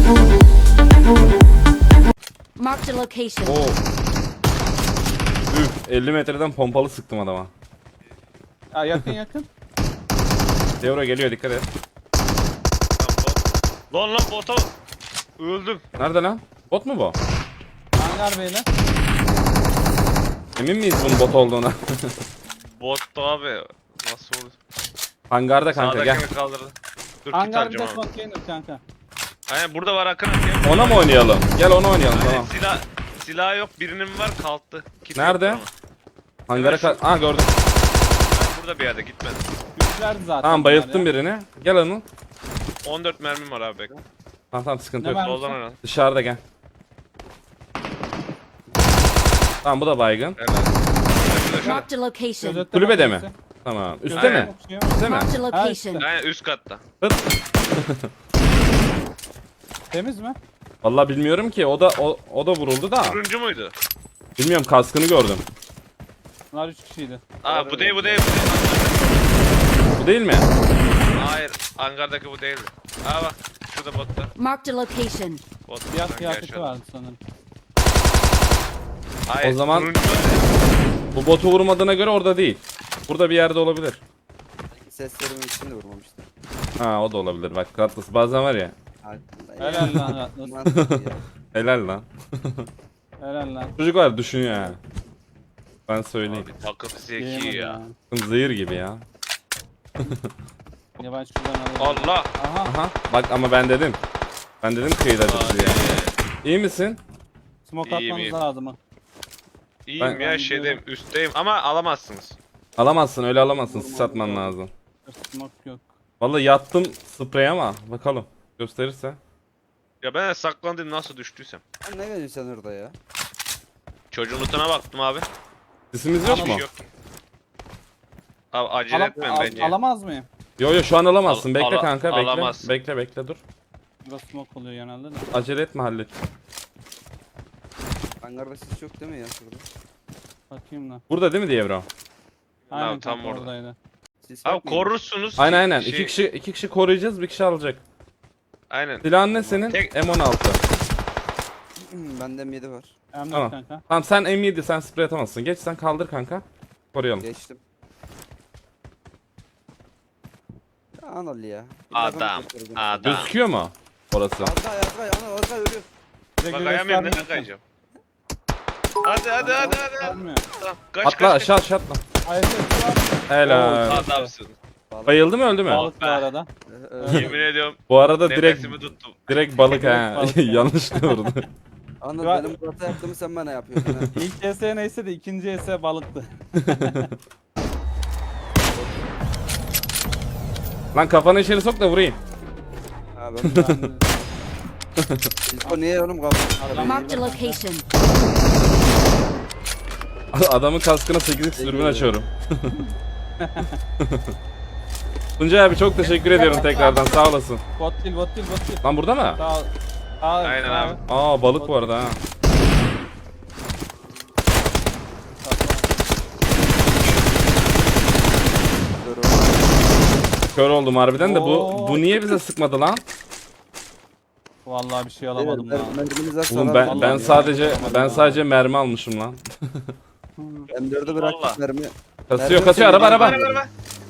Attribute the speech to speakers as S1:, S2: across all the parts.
S1: Marked a location.
S2: Oo. Üf, 50 metreden pompalı sıktım adama.
S3: Ya yakın yakın.
S2: Devro geliyor, dikkat et.
S4: Lan bota öldüm.
S2: Nerede lan? Bot mu bu?
S3: Hangar beyler.
S2: Emin miyiz bunun bot olduğuna?
S4: Bottu abi. Nasıl oldu?
S2: Hangarda kanka, gel.
S4: Sağdakini kaldırdı. Dur kit
S3: Hangar bir
S4: alacağım
S3: de
S4: abi.
S3: konteyner kanka.
S4: Aynen burada var Akın abi.
S2: Ona mı oynayalım? Gel ona oynayalım,
S4: Aynen
S2: tamam.
S4: silah yok, birinin var kalktı. Kit
S2: Nerede?
S4: yok
S2: Hangara Aa, gördüm.
S4: Ben burada bir yerde gitmedim.
S3: Güçlerdi zaten.
S2: Tamam, bayılttım
S3: bunlar ya.
S2: birini. Gel Anıl.
S4: 14 mermim var abi bekle.
S2: Tamam sıkıntı
S3: Ne
S2: yok.
S3: var?
S4: Soldan oynadım.
S2: Dışarıda gel. Tamam, bu da baygın.
S4: Helal.
S1: Marked a location.
S3: Gözetleme
S2: Kulübede mi?
S3: kulübesi.
S2: Tamam. Üste
S4: Aynen.
S2: mi?
S3: Şey var.
S2: Üste mi?
S1: Marked a location.
S4: Aynen üst katta.
S2: Hıt.
S3: Temiz mi?
S2: Vallahi bilmiyorum ki. O da vuruldu da.
S4: Turuncu muydu?
S2: Bilmiyorum, kaskını gördüm.
S3: Bunlar 3 kişiydi.
S4: Aa bu değil.
S2: Bu değil mi?
S4: Hayır hangardaki bu değil. Aa bak şurada botta.
S1: Marked a location.
S4: Bot.
S3: Siyah
S4: sanki
S3: kıyafeti
S4: aşağıda.
S3: vardı sanırım.
S4: Hayır,
S2: O zaman-
S4: turuncu.
S2: Bu botu vurmadığına göre orada değil. Burada bir yerde olabilir.
S5: Seslerimin içinde vurmamıştım.
S2: Ha, o da olabilir. Bak Katlıs bazen var ya.
S3: Helal lan Atlas.
S5: Mantıklı ya.
S2: Helal lan.
S3: Helal lan.
S2: Çocuk var, düşünüyor ha. Ben söyleyeyim.
S4: Abi takım zeki
S3: Diyemedim
S4: ya.
S2: Zehir gibi ya.
S3: Ya ben şuradan alayım.
S4: Allah.
S3: Aha.
S2: Aha. Bak ama ben dedim. Ben dedim kıyıdadır
S4: Hadi.
S2: diye. İyi misin?
S3: Smoke
S4: İyiyim,
S3: atmanız
S4: iyiyim.
S3: lazım ha.
S4: İyiyim
S2: Ben-
S4: ya şeydeyim üstteyim ama alamazsınız.
S2: Alamazsın, öyle alamazsın. Sis atman lazım.
S3: Smoke yok.
S2: Vallahi yattım sprey ama bakalım. Gösterirse.
S4: Ya ben de saklandım nasıl düştüysem.
S5: Sen ne veriyorsun sen orada ya?
S4: Çocuğun lootuna baktım abi.
S2: Sisimiz yok
S4: Hiçbir
S2: mu?
S4: şey yok. Abi acele etmem bence.
S3: Alamaz mıyım?
S2: Yo yo, şu an alamazsın. Bekle
S4: Ala-
S2: kanka, bekle.
S4: alamazsın.
S2: Bekle dur.
S3: Burada smoke oluyor genelde de.
S2: Acele etme, hallet.
S5: Hangarda sis yok değil mi ya şurada?
S3: Bakayım lan.
S2: Burada değil mi Dievro?
S3: Aynen
S4: tam
S3: kanka
S4: orada.
S3: oradaydı.
S5: Sis yok
S4: Abi
S5: mu?
S4: korursunuz.
S2: Aynen.
S4: Şey-
S2: İki kişi koruyacağız, bir kişi alacak.
S4: Aynen.
S2: Silahın ne senin?
S4: Tek-
S2: M16.
S5: Bende M7 var.
S3: Emre
S2: Tamam.
S3: kanka.
S2: Tamam, sen M7, sen sprey atamazsın. Geç, sen kaldır kanka. Koruyalım.
S5: Geçtim. Ya Anıl ya.
S4: Adam. Adam.
S2: Gözüküyor mu orası?
S5: Azgay Anıl Azgay ölüyor.
S3: Direkt
S4: Bak
S3: bir
S4: ayamıyorum
S3: gösterme.
S4: neden kayacağım. Hadi.
S3: Göstermiyor.
S4: Tamam. Kaç
S2: Atla
S4: kaç.
S2: aşağı atla.
S3: Ayette var.
S2: Helal.
S4: Adamsın.
S2: Bayıldı mı, öldü mü?
S3: Balık bu arada.
S4: Yemin ediyorum.
S2: Bu arada direkt
S4: Nefesimi tuttum.
S2: balık ha.
S3: Balık.
S2: Yanlışlıkla vurdu.
S5: Anıl
S3: Ya-
S5: benim Murat'a yaptığımı sen bana yapıyorsun ha.
S3: İlk ES neyse de ikinci ES balıktı.
S2: Lan kafanı içeri sok da vurayım.
S5: Ha ben Disko niye oğlum kaldı?
S1: Marked a location.
S2: Adamın kaskına 8x dürbün açıyorum. Tuncay abi çok teşekkür ediyorum tekrardan, sağ olasın.
S3: Bot değil.
S2: Lan burada mı?
S3: Sağ ol.
S4: Aynen abi.
S2: Aa, balık bu arada ha. Kör oldum harbiden de bu niye bize sıkmadı lan?
S3: Vallahi bir şey alamadım lan.
S2: Oğlum ben sadece mermi almışım lan.
S5: M4'ü
S4: Vallahi.
S5: bıraktık mermi.
S2: Kasıyor araba.
S4: Araba.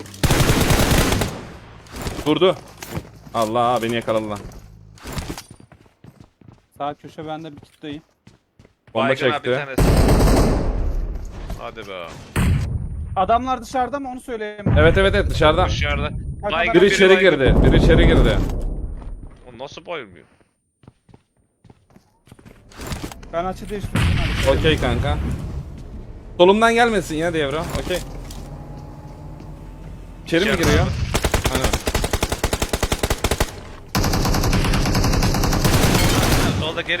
S2: Durdu. Allah, beni yakaladı lan.
S3: Sağ köşe bende bir kitleyim.
S2: Bomba
S4: Baygın abi bir
S2: çekti.
S4: tanesi. Hadi be.
S3: Adamlar dışarıda mı onu söyleyeyim.
S2: Evet dışarıdan.
S4: Dışarıda.
S3: Bak,
S4: Baygın
S2: Biri içeri
S4: baygın.
S2: girdi. Biri içeri girdi.
S4: O nasıl bayılmıyor?
S3: Ben açı değiştirdim. Hadi.
S2: Okey kanka. Solumdan gelmesin ya Devro. Okey. İçeri mi
S4: İçeride
S2: giriyor?
S4: abi.
S2: Aynen.
S4: Solda geri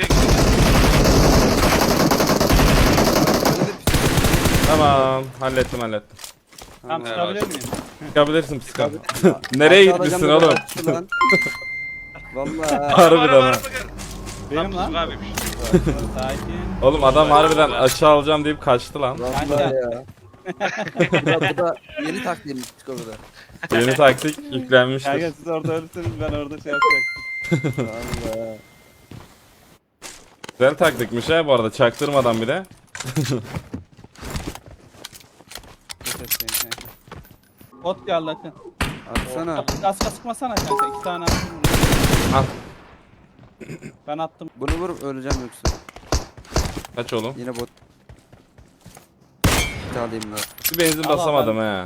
S2: Tamam. Hallettim.
S3: Tamam
S4: Evet.
S3: çıkabilir miyim?
S2: Çıkabilirsin psika. Nereye gitmişsin oğlum?
S5: Valla.
S2: Harbiden ha.
S3: Benim lan.
S4: Abiymiş.
S3: Sakin.
S2: Oğlum adam harbiden aşağı alacağım deyip kaçtı lan.
S5: Valla ya. Bu da yeni taktiğim Disko bu da.
S2: Yeni taktik yüklenmiştir.
S3: Kanka siz orada ölürseniz ben orada şey yapacaktım.
S5: Valla.
S2: Güzel taktikmiş ha bu arada, çaktırmadan bile.
S3: Bot geldi Akın.
S5: Atsana.
S3: Gaz sıkmasana kanka. 2 tane attım.
S2: Al.
S3: Ben attım.
S5: Bunu vurup öleceğim yoksa.
S2: Kaç oğlum?
S5: Yine bot. Bir tane alayım daha.
S2: Bir benzin
S3: Al,
S2: basamadım he.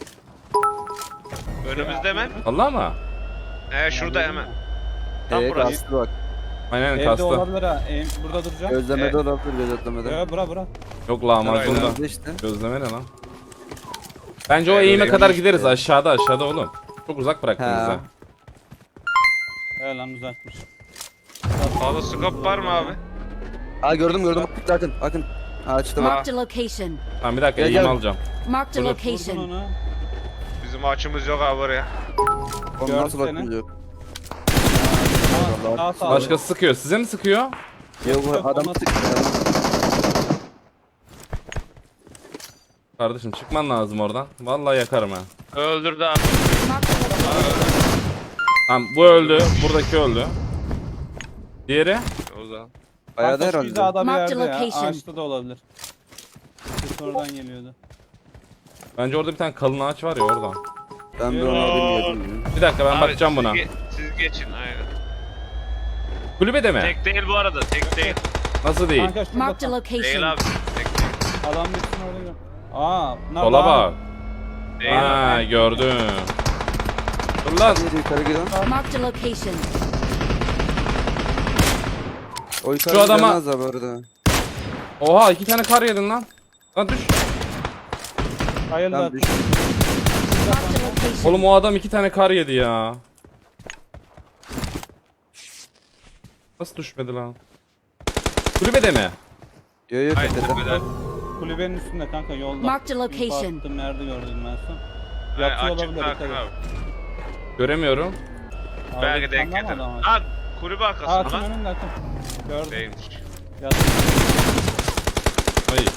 S4: Önümüzde hemen.
S2: Allah mı?
S4: Şurada hemen. Tam burası.
S5: Kastı bak.
S2: Aynen
S3: Evde
S2: kastı.
S3: olabilir ha. Burada duracağım.
S5: Gözlemede olabilir gözetlemede.
S3: Bura.
S2: Yok lahmacunda.
S5: Gözlemede işte.
S2: Gözleme ne lan? Bence o eğime kadar gideriz, aşağıda oğlum. Çok uzak bıraktınız
S5: Ha.
S2: ha.
S3: Evet lan uzakmış.
S4: Sağda scope var mı abi?
S5: Aa gördüm. Akın. Açtım.
S1: Marked a location.
S2: Tamam bir dakika,
S5: Gel,
S2: eğim
S5: gel.
S2: alacağım.
S1: Marked a
S2: Dur.
S3: Vurdun
S1: location.
S3: onu.
S4: Bizim açımız yok abi oraya.
S5: Onu
S3: Gördü
S5: nasıl
S3: seni.
S5: bakınca yok.
S3: Sağ sağ.
S2: Başkası sıkıyor. Size mi sıkıyor?
S5: Yok bu adam
S3: Olmaz.
S2: Kardeşim çıkman lazım oradan. Vallahi yakarım ha.
S4: Öldürdü abi.
S1: Marked a location.
S2: Tamam bu öldü. Buradaki öldü. Diğeri?
S4: O zaman.
S5: Bayağı da
S3: Kanka şu
S5: herhalde.
S3: hizada bir
S1: Marked
S3: yerde ya.
S1: location.
S3: Ağaçta da olabilir. Sonradan geliyordu.
S2: Bence orada bir tane kalın ağaç var ya oradan.
S5: Ben bir onu bilmiyordum.
S2: Bir dakika ben
S4: Abi,
S2: bakacağım
S4: siz
S2: buna.
S4: siz geçin aynen.
S2: Kulübede mi?
S4: Tek değil bu arada, tek değil.
S2: Nasıl değil?
S3: Kanka şurada
S1: Marked a
S3: tam.
S4: Değil
S1: location.
S4: abi, tek değil.
S3: Adam bitsin orada gör. Aa, bunlar
S2: Sola
S3: daha-
S2: bak.
S4: Değil
S2: Ha
S4: abi.
S2: gördüm. Dur lan.
S5: Hadi yukarı gidelim.
S1: Marked a location.
S5: O yukarı
S2: Şu adama-
S5: gidemez abi orada.
S2: Oha 2 tane kar yedin lan. Lan düş.
S3: Hayırlı
S5: Ben
S3: olsun.
S5: düştüm.
S1: Marked a location.
S2: Oğlum o adam 2 tane kar yedi ya. Nasıl düşmedi lan? Kulübede mi?
S5: Yok
S4: Hayır,
S5: tepede.
S4: tepeden.
S3: Kulübenin üstünde kanka yolda.
S1: Marked a location.
S3: Attım nerede gördüm ben son.
S4: Hayır,
S3: Yatıyor
S4: açık
S3: olabilir.
S4: bırakın
S3: dikkat et.
S2: Göremiyorum.
S3: Göremiyorum.
S4: Belki denk getir. Ha, kulübe arkasında
S3: Atın
S4: lan.
S3: önünde Akın. Gördüm.
S4: Değilmiş.
S3: Yat.
S2: Ay.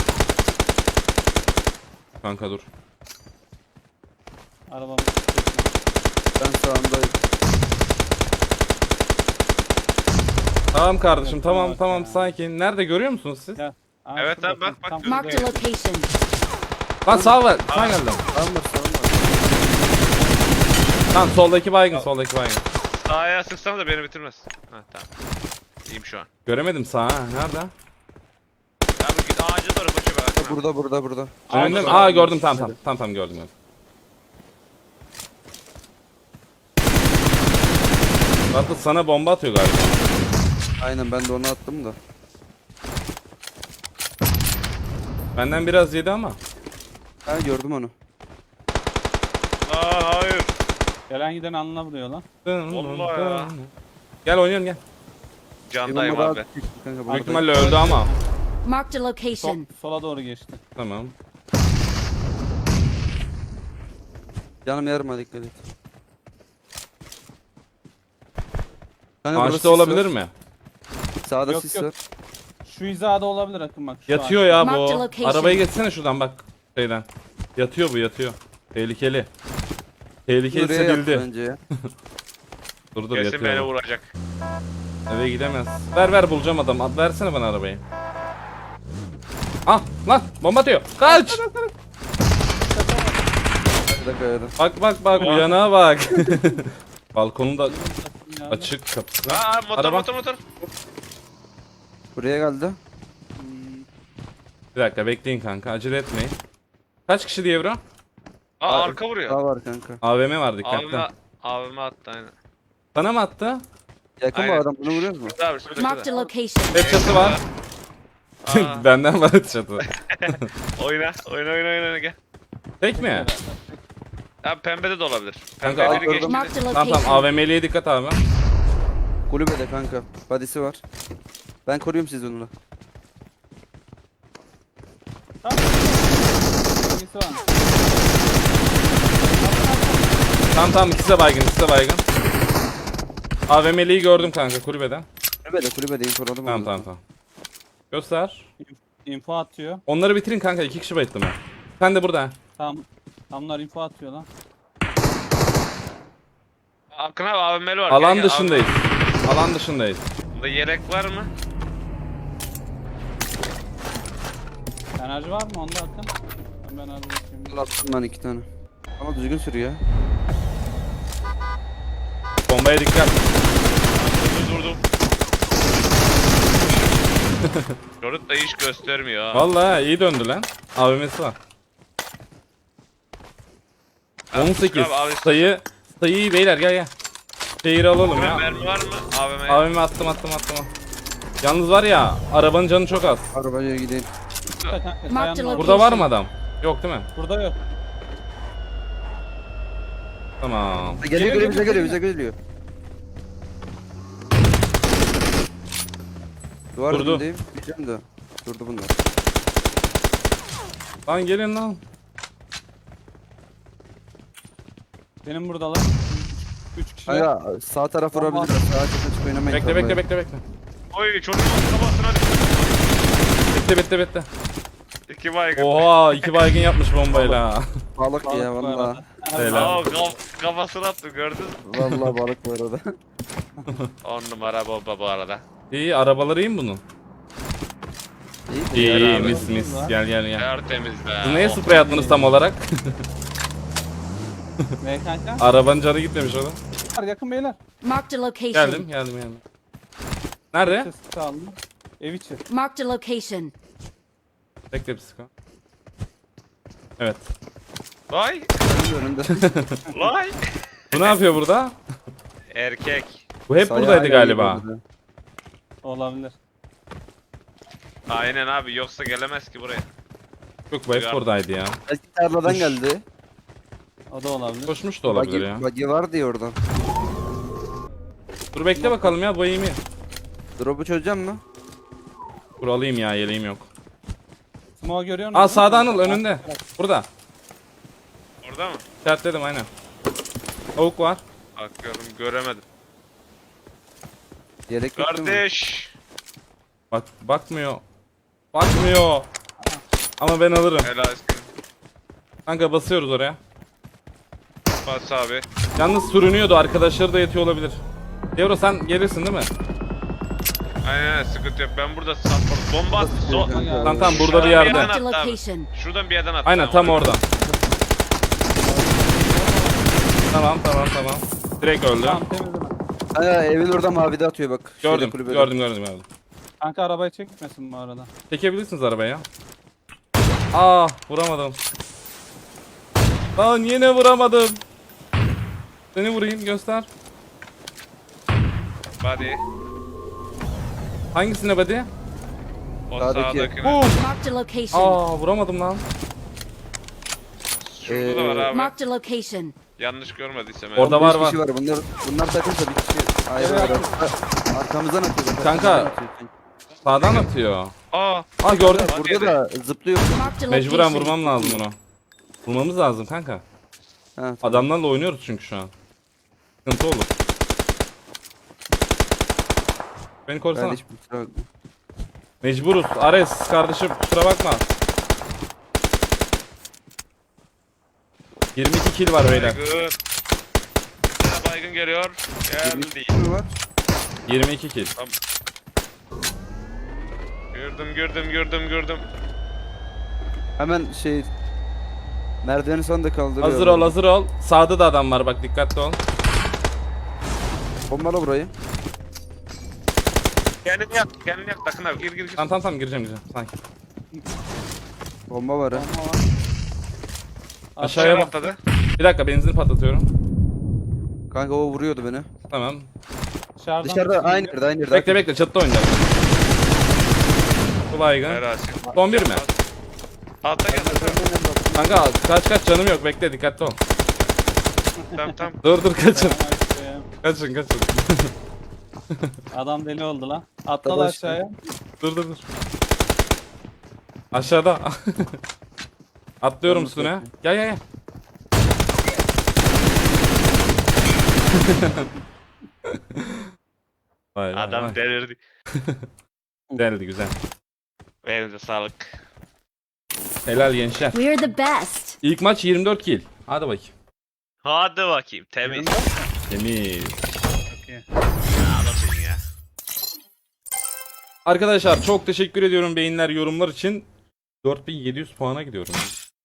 S2: Kanka dur.
S3: Arabamı.
S5: Ben sağındayım.
S2: Tamam kardeşim,
S3: Evet,
S2: tamam
S3: bak
S2: tamam
S3: ya.
S2: sakin. Nerede görüyor musunuz siz?
S3: Ya. Aa,
S4: Evet
S3: şurada
S4: abi, bak,
S3: tam
S4: bak,
S1: Marked a
S3: şurada.
S1: location.
S2: Lan sağ ver. Sağ geldim.
S5: Sağım var.
S2: Lan soldaki baygın, soldaki baygın.
S4: Sağa sıksana da beni bitirmez. Ha tamam. İyiyim şu an.
S2: Göremedim sağ. Ha, nerede?
S4: Abi git ağaca doğru koşu be.
S5: Burada.
S2: Önümde mi?
S4: Ağaca
S2: Aa
S4: doğru.
S2: gördüm, tamam gördüm. Zaten sana bomba atıyor galiba.
S5: Aynen ben de onu attım da.
S2: Benden biraz yedi ama.
S5: Ha gördüm onu.
S4: Aa hayır.
S3: Gelen giden alnına vuruyor lan.
S4: Vallahi ya.
S2: Gel oynayalım gel.
S4: Candayım
S5: Yanıma
S4: abi.
S5: daha çıktı kanka,
S2: Büyük
S5: buradayım.
S2: ihtimalle öldü ama.
S1: Marked a location.
S3: Sola doğru geçti.
S2: Tamam.
S5: Canım yarıma dikkat et. Kanka burada sis
S2: Ağaçta olabilir
S5: var.
S2: mi?
S5: Sağda
S3: Yok,
S5: sis
S3: yok.
S5: var.
S3: Şu hizada olabilir Akın bak. Şu
S2: Yatıyor
S3: ağaç.
S2: ya
S1: Mark the
S2: bu.
S1: location.
S2: Arabayı geçsene şuradan bak. Şeyden. Yatıyor bu, yatıyor. Tehlikeli. Tehlikeli
S5: Buraya yaptı
S2: bildi.
S5: bence ya.
S2: Dur
S4: Kesin beni
S2: yatıyor.
S4: vuracak.
S2: Eve gidemez. Ver bulacağım adam. Versene bana arabayı. Ah lan bomba atıyor. Kaç.
S5: Bir dakika ya da.
S2: Bak uyanağa bak. Balkonun da
S3: Ya.
S2: açık kapısı.
S4: Aa motor
S2: Araba.
S4: motor.
S5: Buraya geldi.
S2: Bir dakika bekleyin kanka, acele etmeyin. Kaç kişi diye bro?
S4: Aa arka vuruyor.
S5: Daha var kanka.
S2: AVM var dikkatli.
S4: Abime attı aynen.
S2: Sana mı attı?
S5: Yakın mı
S4: Aynen.
S5: adam, bunu vuruyor mu?
S4: Şurada abi şurada.
S1: Marked a
S4: şurada.
S1: location.
S2: Hep çatı var.
S4: Aa,
S2: Benden var çatı.
S4: oyna gel.
S2: Tek mi?
S4: Ya pembede de olabilir.
S2: Kanka,
S4: Pembe biri
S5: gördüm.
S4: geçti.
S1: Marked a
S2: Tamam
S1: location.
S2: AVM'liye dikkat abi.
S5: Kulübede kanka. Badisi var. Ben koruyorum sizi onunla.
S3: Hangisi var?
S2: Tamam ikisi de baygın. AVM'liyi gördüm kanka kulübeden.
S5: Kulübede infoladım onu.
S2: Tamam. Göster.
S3: Info atıyor.
S2: Onları bitirin kanka, 2 kişi bayıttım ben. Sen de burada.
S3: Tam. Tamlar info atıyor lan.
S4: Akın abi AVM'li var.
S2: Alan
S4: Gel,
S2: dışındayız. Alan dışındayız.
S4: Bunda yelek var mı?
S3: Enerji var mı onda Akın? Ben enerji bakayım.
S5: Attım ben 2 tane. Ama düzgün sürüyor.
S2: Bombaya dikkat.
S4: Durdum. Çocuk da hiç göstermiyor ha.
S2: Vallahi iyi döndü lan. AVM'si var. 18
S4: Abi, abi,
S2: sayı iyi beyler, gel. Şehir alalım ya.
S4: Mermi var mı? AVM'ye.
S2: AVM attım. Yalnız var ya, arabanın canı çok az.
S5: Arabaya gidelim.
S1: Marked
S3: Kayanın orada.
S2: Burada var mı adam? Yok değil mi?
S3: Burada yok.
S2: Tamam.
S5: Geliyor bize geliyor. Duvar
S2: Durdu.
S5: dibindeyim. Diyeceğim de. Durdu bunlar.
S2: Lan gelin lan.
S3: Benim buradalar. 3 kişi.
S5: Hayır sağ taraf
S3: Bomba.
S5: vurabilirler. Sağa çıkıp oynamayın.
S2: Bekle.
S4: Oy çocuğun kafasına
S2: Bitti.
S4: İki baygın.
S2: Oha, 2 baygın yapmış bombayla.
S5: Balık
S3: Balık
S5: ya
S3: bu
S5: valla.
S3: arada.
S2: Helal.
S4: Aa, kafasına attı gördün mü?
S5: Valla balık bu arada.
S4: 10 numara bomba bu arada.
S2: İyi, arabaları iyi mi bunun?
S5: İyi.
S2: İyi,
S4: abi.
S2: mis. Gel.
S4: Tertemiz be.
S2: Siz neye
S4: Oh.
S2: sprey attınız tam olarak?
S3: Ne kanka?
S2: Arabanın canı gitmemiş orada.
S3: Yakın beyler.
S1: Marked a location.
S2: Geldim. Nerede?
S3: Ses çaldı. Ev içi.
S1: Marked a location.
S2: Bekle bir sıkı. Evet.
S4: Vay.
S5: Önünde.
S4: Vay.
S2: Bu ne yapıyor burada?
S4: Erkek.
S2: Bu hep
S5: Sayağı
S2: buradaydı
S5: geliyor
S2: galiba.
S5: burada.
S3: Olabilir.
S4: Aynen abi yoksa gelemez ki buraya.
S2: Yok, bu hep buradaydı ya.
S5: Belki tarladan geldi.
S3: O da olabilir.
S2: Koşmuş da olabilir ya.
S5: Buggy var diye oradan.
S2: Dur bekle bakalım ya, bu iyi mi?
S5: Drop'u çözeceğim mi?
S2: Dur alayım ya, yeleğim yok.
S3: Smoke görüyor musun?
S2: Aa, sağda Anıl, önünde. Burada.
S4: Orada mı?
S2: İşaretledim aynen. Tavuk var.
S4: Bakıyorum göremedim.
S5: Yelek yok değil mi?
S4: Kardeş.
S2: Bakmıyor. Ama ben alırım.
S4: Helal olsun.
S2: Kanka basıyoruz oraya.
S4: Bas abi.
S2: Yalnız sürünüyordu, arkadaşları da yetiyor olabilir. Devro sen gelirsin değil mi?
S4: Aynen sıkıntı yok. Ben burada support. Bomba attı.
S2: Tamam burada bir yerde.
S1: Marked a
S4: Attı abi.
S1: location.
S4: Şuradan bir yerden attı.
S2: Aynen tam oradan. Tamam. Direkt öldü.
S3: Tamam temizleme.
S5: Evin orada mavide atıyor bak. Şeyde,
S2: Gördüm.
S5: kulübede.
S3: Kanka arabayı çekmesin bu arada.
S2: Çekebilirsiniz arabaya. Aa, vuramadım. Lan yine vuramadım. Seni vurayım, göster.
S4: Body.
S2: Hangisine buddy?
S4: O
S5: Sağdaki.
S4: sağdakine.
S1: Marked a location.
S2: Aa, vuramadım lan.
S4: Şurada da var abi.
S1: Marked a location.
S4: Yanlış görmediysem.
S2: Orada
S5: Beş
S2: var.
S5: kişi var. Bunlar takımsa bir kişi ayrı var. Arkamızdan atıyor. bak,
S2: Kanka.
S5: arkamızdan atıyor.
S2: Sağdan atıyor.
S4: Aa.
S2: Aa, gördüm.
S5: Burada da zıplıyor.
S1: Marked a
S2: Mecburen
S1: location.
S2: vurmam lazım onu. Vurmamız lazım kanka.
S5: Ha, tamam.
S2: Adamlarla oynuyoruz çünkü şu an. Sıkıntı olur. Beni
S5: Ben
S2: korusana.
S5: hiç kusura bakma.
S2: Mecburuz. Ares kardeşim, kusura bakma. 22 kill var beyler.
S4: Baygın. Baygın geliyor. Geldi.
S5: Kusura var.
S2: 22 kill.
S4: Gördüm.
S5: Hemen merdiveni son da kaldırıyor.
S2: Hazır ol. Sağda da adam var bak, dikkatli ol.
S5: Bombala burayı.
S4: Kendini yak. Takın abi. Gir.
S2: Tamam gireceğim. Sanki.
S5: Bomba var ha.
S3: Bomba var.
S2: Aşağıya bak.
S4: Atladı.
S2: Bir dakika, benzin patlatıyorum.
S5: Kanka o vuruyordu beni.
S2: Tamam.
S3: Dışarıdan
S5: Dışarıda
S3: bir şey
S5: aynı
S3: geliyor.
S5: yerde.
S2: Bekle, çatıda oynayacağız. Bu baygın.
S4: Helal.
S2: Son bir mi?
S4: Altta gel.
S2: Kanka kaç canım yok, bekle, dikkatli ol.
S4: Tamam.
S2: Dur kaçın.
S3: Tamam, işte.
S2: Kaçın.
S3: Adam deli oldu lan. Atladı
S5: Arkadaş-
S3: aşağıya.
S2: Dur. Aşağıda. Atlıyorum
S5: Yalnız
S2: üstüne.
S5: bakayım.
S2: Gel. Vay.
S4: Adam delirdi.
S2: Deldi, güzel.
S4: Elinize sağlık.
S2: Helal gençler.
S1: We're the best.
S2: İlk maç 24 kill. Hadi bakayım.
S4: Hadi bakayım. Temiz.
S2: Temiz.
S3: Çok iyi.
S4: Anlatın ya.
S2: Arkadaşlar çok teşekkür ediyorum beyinler, yorumlar için. 4700 puana gidiyorum.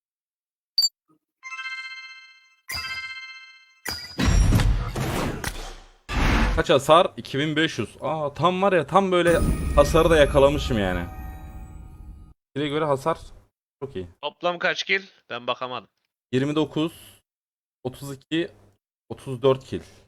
S2: Kaç hasar? 2500. Aa tam var ya, tam böyle hasarı da yakalamışım yani. Bire göre hasar çok iyi.
S4: Toplam kaç kill? Ben bakamadım.
S2: 29, 32, 34 kill.